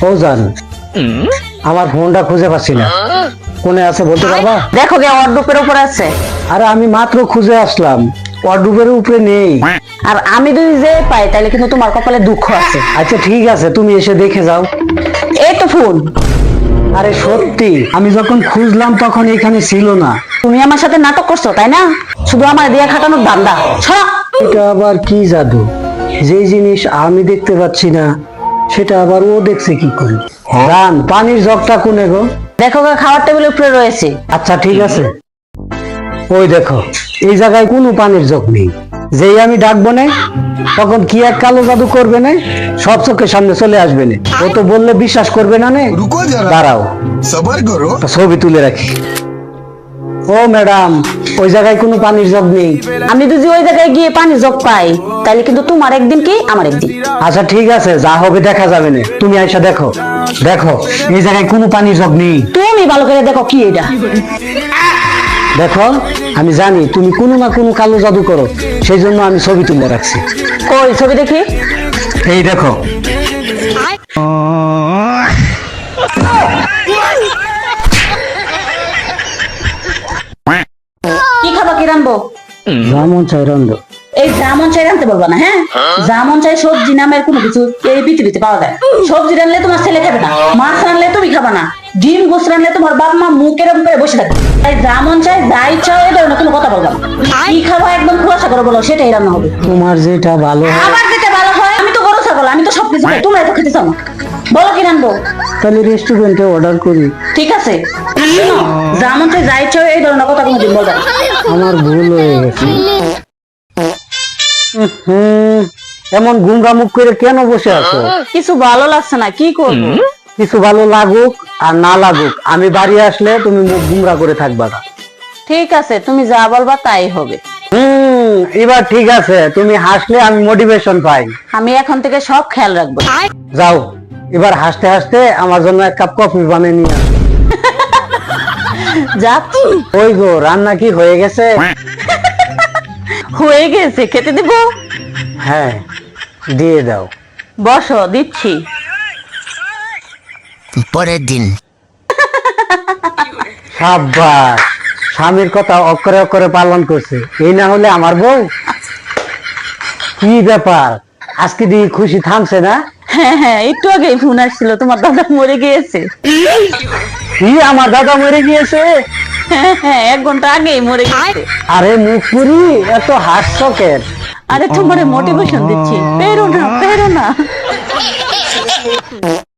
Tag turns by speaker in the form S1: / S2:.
S1: ফৌজান, আমার ফোনটা খুঁজে পাচ্ছি না, কোনে আছে বলতে পারবা?
S2: দেখো গে ওয়ার্ডরোবের উপরে আছে।
S1: আরে আমি মাত্র খুঁজে আসলাম, ওয়ার্ডরোবের উপরে নেই।
S2: আর আমি যদি যে পাই তাহলে কিন্তু তোমার কপালে দুঃখ আছে।
S1: আচ্ছা ঠিক আছে, তুমি এসে দেখে যাও।
S2: এই তো ফোন।
S1: আরে সত্যি, আমি যখন খুঁজলাম তখন এখানে ছিল না।
S2: তুমি আমার সাথে নাটক করছো তাই না? শুধু আমার দিয়া খাটানোর ধান্দা। ছড়া।
S1: এটা আবার কি জাদু? যে জিনিস আমি দেখতে পাচ্ছি না সেটা আবার ও দেখছে কি করে? জান, পানির জগটা কোনে গো?
S2: দেখো গে খাওয়ার টেবিলের উপরে রয়েছে।
S1: আচ্ছা ঠিক আছে, ওই দেখো এই জায়গায় কোনো পানির জগ নেই। যেই আমি ডাকবো না তখন কি এক কালো জাদু করবে না, সব চোখের সামনে চলে আসবে না। ও তো বললে বিশ্বাস করবে না।
S3: रुको जरा,
S1: দাঁড়াও,
S3: सबर करो।
S1: একটা ছবি তুলে রাখি। ও ম্যাডাম, ওই জায়গায় কোনো পানির জগ নেই।
S2: আমি যদি ওই জায়গায় গিয়ে পানি জগ পাই তাহলে কিন্তু তোমার একদিন কি আমার একদিন।
S1: আচ্ছা ঠিক আছে, যা হবে দেখা যাবে না। তুমি আইসা দেখো। দেখো এই জায়গায় কোনো পানির জগ নেই।
S2: তুমি ভালো করে দেখো কি এটা।
S1: দেখো, আমি জানি তুমি কোনো না কোনো কালো জাদু করো, সেই জন্য আমি ছবি তুলে রাখছি।
S2: কই ছবি দেখি।
S1: এই দেখো।
S2: কি খাবা কি রানবো?
S1: যেমন চাই রন্ধ।
S2: এই জামন চাই রানতে বলবা না, হ্যাঁ? জামন চাই সবজি নামের কোনো কিছু এই পৃথিবীতে পাওয়া যায়। সবজি রানলে তোমার ছেলে খাবে না, মাছ রানলে তুমি খাবা না, ডিম গোস রানলে তোমার বাপ মা মুখ এরকম করে বসে থাকবে। তাই জামন চাই যাই চাও এই ধরনের কোনো কথা বলবা না। কি খাবা একদম খোলাসা করে বলো, সেটাই রান্না হবে।
S1: তোমার যেটা ভালো হয়।
S2: আবার যেটা ভালো হয়, আমি তো গরু ছাগল, আমি তো সবকিছু খাই, তোমরা এত খেতে চাও না। বলো কি রানবো?
S1: তাহলে রেস্টুরেন্টে অর্ডার করি।
S2: ঠিক আছে, শোনো, জামন চাই যাই চাও এই ধরনের কথা কোনোদিন বলবে না।
S1: আমার ভুল হয়ে গেছে। এমন গুমরা মুখ করে কেন বসে আছো?
S2: কিছু ভালো লাগছে না, কি করবো?
S1: কিছু ভালো লাগুক আর না লাগুক, আমি বাড়ি আসলে তুমি মুখ গুমরা করে থাকবা না।
S2: ঠিক আছে, তুমি যা বলবা তাই হবে।
S1: এবার ঠিক আছে, তুমি হাসলে আমি মোটিভেশন পাই।
S2: আমি এখন থেকে সব খেয়াল রাখবো।
S1: যাও, এবার হাসতে হাসতে আমার জন্য এক কাপ কফি বানিয়ে নিয়ে আসো।
S2: যাচ্ছি।
S1: ওই গো, রান্না কি হয়ে গেছে?
S2: হয়ে গেছে, খেতে দেব?
S1: হ্যাঁ, দিয়ে দাও।
S2: বসো, দিচ্ছি।
S4: পরের দিন
S1: সাব্বাস, স্বামীর কথা অক্ষরে অক্ষরে পালন করছে। এই না হলে আমার বউ। কি ব্যাপার, আজকে দিয়ে খুশি থামছে না?
S2: হ্যাঁ হ্যাঁ, একটু আগে ফোন আসছিল, তোমার দাদা মরে গিয়েছে।
S1: কি, আমার দাদা মরে গিয়েছে?
S2: হ্যাঁ হ্যাঁ, 1 ঘন্টা আগেই মরে গেছে।
S1: আরে মুখ পুরি, এত হাস্যকের।
S2: আরে তোমারে মোটিভেশন দিচ্ছি, পেরো না পেরো না।